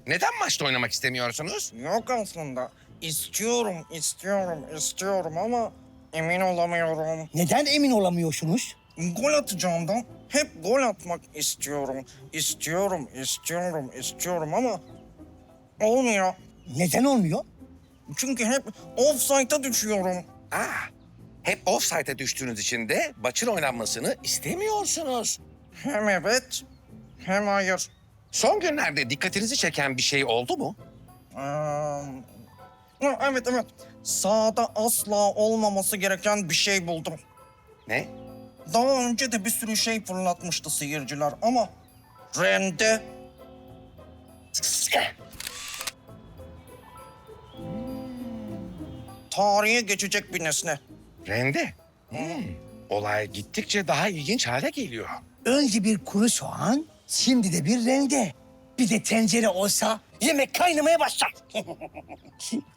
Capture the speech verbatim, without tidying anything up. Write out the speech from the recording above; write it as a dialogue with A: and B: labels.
A: Neden maçta oynamak istemiyorsunuz?
B: Yok aslında. İstiyorum, istiyorum, istiyorum ama emin olamıyorum.
C: Neden emin olamıyorsunuz?
B: Gol atacağımdan hep gol atmak istiyorum. İstiyorum, istiyorum, istiyorum ama olmuyor.
C: Neden olmuyor?
B: Çünkü hep offside'a düşüyorum.
A: Ah, hep offside'e düştüğünüz için de maçın oynanmasını istemiyorsunuz.
B: Hem evet, hem hayır.
A: Son günlerde dikkatinizi çeken bir şey oldu mu?
B: Ee, ha, evet, evet. Sahada asla olmaması gereken bir şey buldum.
A: Ne?
B: Daha önce de bir sürü şey fırlatmıştı seyirciler ama rende tarihe geçecek bir nesne.
A: Rende. Hmm. Olay gittikçe daha ilginç hale geliyor.
C: Önce bir kuru soğan, şimdi de bir rende. Bir de tencere olsa yemek kaynamaya başlar.